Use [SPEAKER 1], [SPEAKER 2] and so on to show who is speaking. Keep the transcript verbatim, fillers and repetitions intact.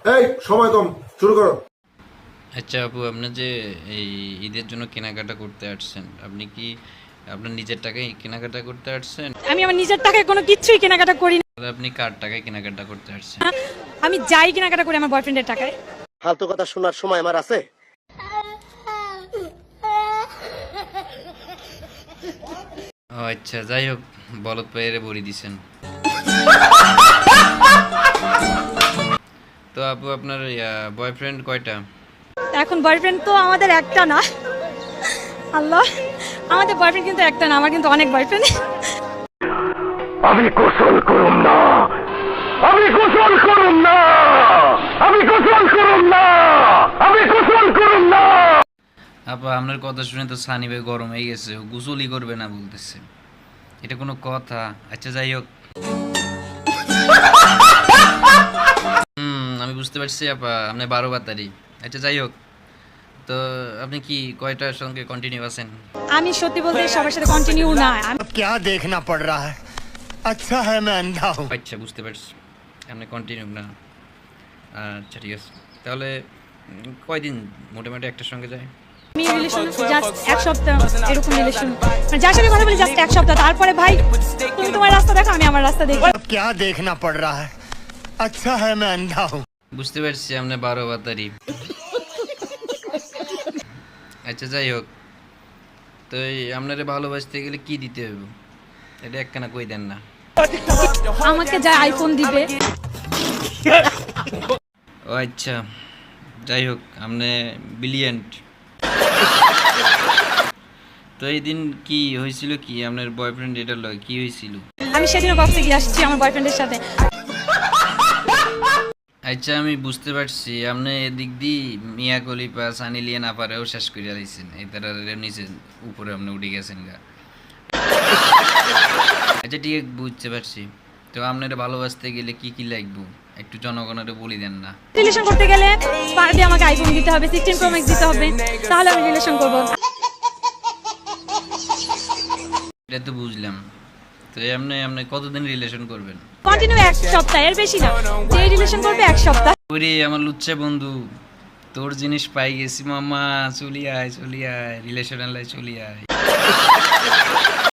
[SPEAKER 1] এই সময় কম, শুরু করো।
[SPEAKER 2] আচ্ছা আপু, আপনি যে এই ঈদের জন্য কেনাকাটা করতে আসছেন, আপনি কি আপনার নিজের টাকায় কেনাকাটা করতে আসছেন?
[SPEAKER 3] আমি আমার নিজের টাকায় কোনো কিছুই কেনাকাটা করি না।
[SPEAKER 2] তাহলে আপনি কার টাকায় কেনাকাটা করতে আসছেন?
[SPEAKER 3] আমি যাই কেনাকাটা করি আমার বয়ফ্রেন্ডের টাকায়।
[SPEAKER 4] ফালতু কথা শোনার সময় আমার আছে?
[SPEAKER 2] ও আচ্ছা, যাই হোক, বলদ পায়েরে বড়ি দিছেন। তো আপু, আপনার বয়ফ্রেন্ড কয়টা?
[SPEAKER 3] এখন বয়ফ্রেন্ড তো আমাদের একটা না। আল্লাহ, আমাদের বয়ফ্রেন্ড কিন্তু একটা না, আমার কিন্তু অনেক বয়ফ্রেন্ড।
[SPEAKER 5] আমি গোসল করুম না, আমি গোসল করুম না, আমি গোসল করুম না, আমি গোসল করুম না।
[SPEAKER 2] আপা, আপনার কথা শুনে তো সানি ভাই গরম হয়ে গেছে, ও গোসলই করবে না বলতেছে। এটা কোনো কথা? আচ্ছা যাই হোক, হুম আমি বুঝতে পারছি আপা, আপনি বারো বাতারি। আচ্ছা যাই হোক, তো আপনি কি কয়টার সঙ্গে কন্টিনিউ আছেন?
[SPEAKER 3] আমি সত্যি বলতে সবার সাথে কন্টিনিউ না। আমি-
[SPEAKER 5] अब क्या देखना पड़ रहा है? अच्छा है मैं अंधा हूँ।
[SPEAKER 2] আচ্ছা বুঝতে পারছি, আপনি কন্টিনিউ না। আচ্ছা ঠিক আছে, তাহলে উম, কয়দিন মোটামুটি একটার সঙ্গে যায়?
[SPEAKER 3] আমি রিলেশন জাস্ট এক সপ্তাহ, এরকম রিলেশন, মানে যার সাথে কথা বলি জাস্ট এক সপ্তাহ। তারপরে ভাই তুমি তোমার রাস্তা দেখো, আমি আমার রাস্তা দেখি।
[SPEAKER 5] अब क्या देखना पड़ रहा है? अच्छा है मैं अंधा हूँ।
[SPEAKER 2] বুঝতে পারছি আপনি বারো বাতারি। আচ্ছা যাই হোক, তো এই আপনারে ভালোবাসতে গেলে কি দিতে হবে, এটা একখানা কই দেন না।
[SPEAKER 3] আমাকে যা আইফোন দিবে।
[SPEAKER 2] ও আচ্ছা, যাই হোক, আপনি ব্রিলিয়েন্ট। তো এই দিন কি হয়েছিল, কি আপনার বয়ফ্রেন্ড এটার লয় কি হয়েছিল?
[SPEAKER 3] আমি সেদিনও কক্সে গিয়ে আসছি আমার বয়ফ্রেন্ডের সাথে।
[SPEAKER 2] আচ্ছা আমি বুঝতে পারছি, আপনি এদিক দিয়ে মিয়া কলিপা সানি লিয়ে না পারেও শেষ করে দিয়েছেন, এই তারা নিচে উপরে আপনি উঠে গেছেন গা। আচ্ছা ঠিক আছে, বুঝতে পারছি। তো আপনার ভালোবাসতে গেলে কি কি লাগবে একটু জনগণের বলি দেন না।
[SPEAKER 3] রিলেশন করতে গেলে পার ডে আমাকে আইফোন দিতে হবে, সিক্সটিন প্রো ম্যাক্স দিতে হবে, তাহলে আমি রিলেশন করব।
[SPEAKER 2] এটা তো বুঝলাম। তো এমনি আপনি কতদিন রিলেশন করবেন?
[SPEAKER 3] কন্টিনিউ এক সপ্তাহ, এর বেশি না। যে রিলেশন করবে এক সপ্তাহ।
[SPEAKER 2] ওরে আমার লুচ্চা বন্ধু, তোর জিনিস পাই গেছি মামা, চলি আয় চলি আয়, রিলেশন আলাই চলি আয়।